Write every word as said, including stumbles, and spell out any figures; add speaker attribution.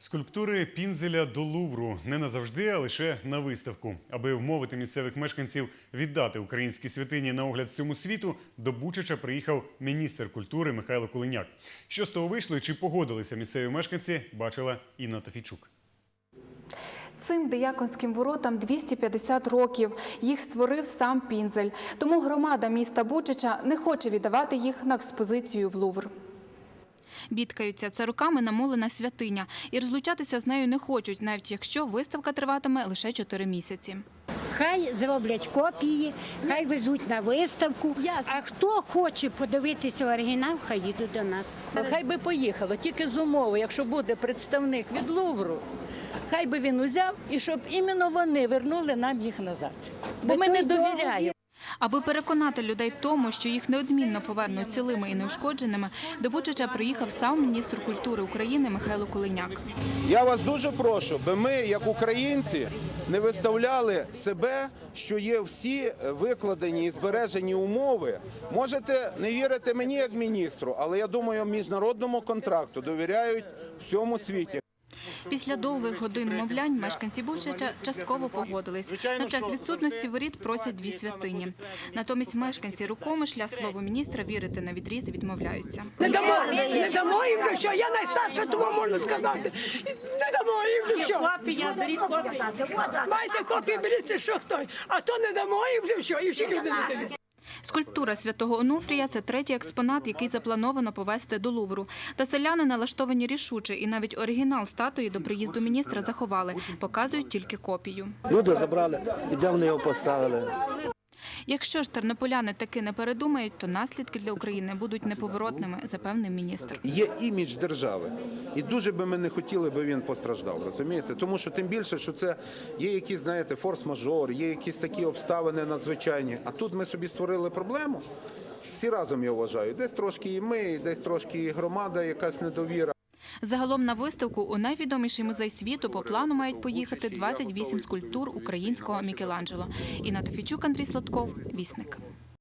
Speaker 1: Скульптури Пінзеля до Лувру не назавжди, а лише на виставку. Аби вмовити місцевих мешканців віддати українські святині на огляд всьому світу, до Бучача приїхав міністр культури Михайло Кулиняк. Що з того вийшло і чи погодилися місцеві мешканці, бачила Інна Тофійчук.
Speaker 2: Цим дияконським воротам двісті п'ятдесят років. Їх створив сам Пінзель. Тому громада міста Бучача не хоче віддавати їх на експозицію в Лувр. Бідкаються, це роками намолена святиня. І розлучатися з нею не хочуть, навіть якщо виставка триватиме лише чотири місяці.
Speaker 3: Хай зроблять копії, хай везуть на виставку, а хто хоче подивитися оригінал, хай їдуть до нас.
Speaker 4: Хай би поїхало, тільки з умови, якщо буде представник від Лувру, хай би він узяв і щоб іменно вони вернули нам їх назад. Бо ми не довіряємо.
Speaker 2: Аби переконати людей в тому, що їх неодмінно повернуть цілими і неушкодженими, до Бучача приїхав сам міністр культури України Михайло Кулиняк.
Speaker 5: Я вас дуже прошу, аби ми, як українці, не виставляли себе, що є всі викладені і збережені умови. Можете не вірити мені як міністру, але я думаю, міжнародному контракту довіряють всьому світі.
Speaker 2: Після довгих годин мовлянь мешканці Бучача частково погодились. На час відсутності воріт просять дві святині. Натомість мешканці Рукомишля слову міністра вірити на відріз відмовляються.
Speaker 6: Не дамо, не дамо їм вже все. Я найстарша, тому можна сказати. Не дамо їм вже все.
Speaker 4: Копія, беріть копію.
Speaker 6: Майте копії, беріть це що хто. А то не дамо їм вже все. І всі люди не дають.
Speaker 2: Скульптура святого Онуфрія – це третій експонат, який заплановано повезти до Лувру. Та селяни налаштовані рішуче, і навіть оригінал статуї до приїзду міністра заховали, показують тільки копію.
Speaker 7: Люди забрали, і де вони його поставили.
Speaker 2: Якщо ж тернополяни таки не передумають, то наслідки для України будуть неповоротними, запевнив міністр.
Speaker 5: Є імідж держави, і дуже би ми не хотіли, би він постраждав, розумієте? Тому що тим більше, що це є якісь, знаєте, форс-мажор, є якісь такі обставини надзвичайні. А тут ми собі створили проблему, всі разом, я вважаю, десь трошки і ми, і десь трошки і громада, якась недовіра.
Speaker 2: Загалом на виставку у найвідоміший музей світу по плану мають поїхати двадцять вісім скульптур українського Мікеланджело. Інна Тофійчук, Андрій Сладков, Вісник.